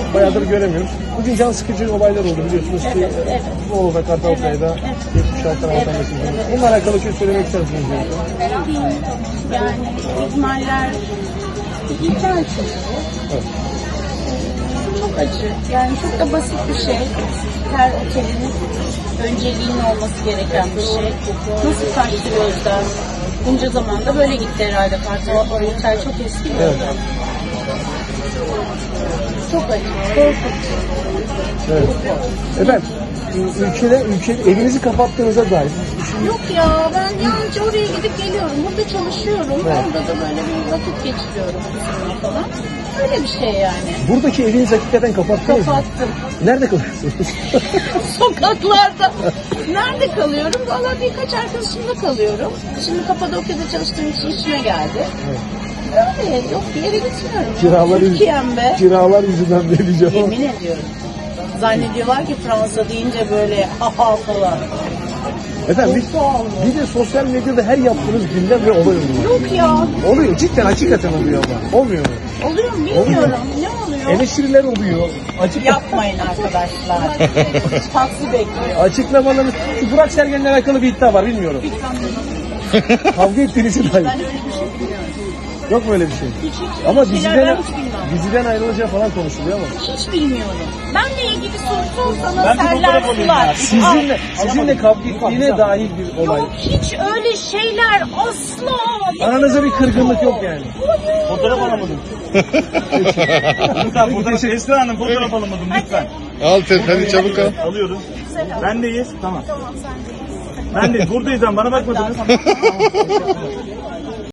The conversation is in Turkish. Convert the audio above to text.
bayağıdır göremiyoruz. Bugün can sıkıcı olaylar oldu biliyorsunuz ki. Evet. Bolu'da, Kartalkaya'da geçmiş hayatlar vatandaşımız. Bununla alakalı şey söylemek ister misiniz? Yani ihmaller ihmal çünkü. Evet. Çok acı. Yani çok da basit bir şey. Her otelin önceliğinin olması gereken bir şey. Nasıl kaçtı gözden? Bunca zamanda böyle gitti herhalde. Kartal otel çok eski bir Evet. otel. Çok acı. Korkunç. Evet. Efendim, ülkede evinizi kapattığınıza dair. Yok ya, ben yalnızca oraya gidip geliyorum. Burada çalışıyorum. Evet. Orada da böyle bir vakit geçiriyorum kızımla falan. Öyle bir şey yani. Buradaki evinizi hakikaten kapattınız mı? Kapattım. Nerede kalıyorsunuz? Sokaklarda. Nerede kalıyorum? Valla birkaç arkadaşımla kalıyorum. Şimdi Kapadokya'da çalıştığım için işime geldi. Evet. Öyle yok, bir yere gitmiyorum. Türkiye'mde. Kiralar yüzünden ne diyeceğim ama. Yemin ediyorum. Zannediyorlar ki Fransa deyince böyle ha falan. Efendim Çok pahalı. bir de sosyal medyada her yaptığınız gündem ve olay oluyor. Yok ya. Oluyor, cidden hakikaten oluyor ama. Olmuyor mu? Oluyor mu bilmiyorum. Ne oluyor? Eleştiriler oluyor. Yapmayın arkadaşlar. Taksi bekliyor. Açıklamalarınız. Şu Burak Sergen'le alakalı bir iddia var, bilmiyorum. Kavga ettiğinizi dair. Ben öyle bir şey bilmiyorum. Yok mu öyle bir şey? Hiç Ama şeyler ben hiç bilmem. diziden ayrılacağı falan konuşuluyor ama. Hiç bilmiyorum. Benle ilgili soru sorsanız Ben bir serler fotoğraf alayım sular. ya. Sizinle kavga ettiğine dair bir olay. Yok hiç öyle şeyler asla. Aranızda bir kırgınlık yok yani. Fotoğraf alamadım. Lütfen fotoğraf. Esra Hanım fotoğraf alamadım lütfen. Al hadi çabuk al. Alıyoruz. Bendeyiz. Tamam. Ben de buradayız ama bana bakmadınız.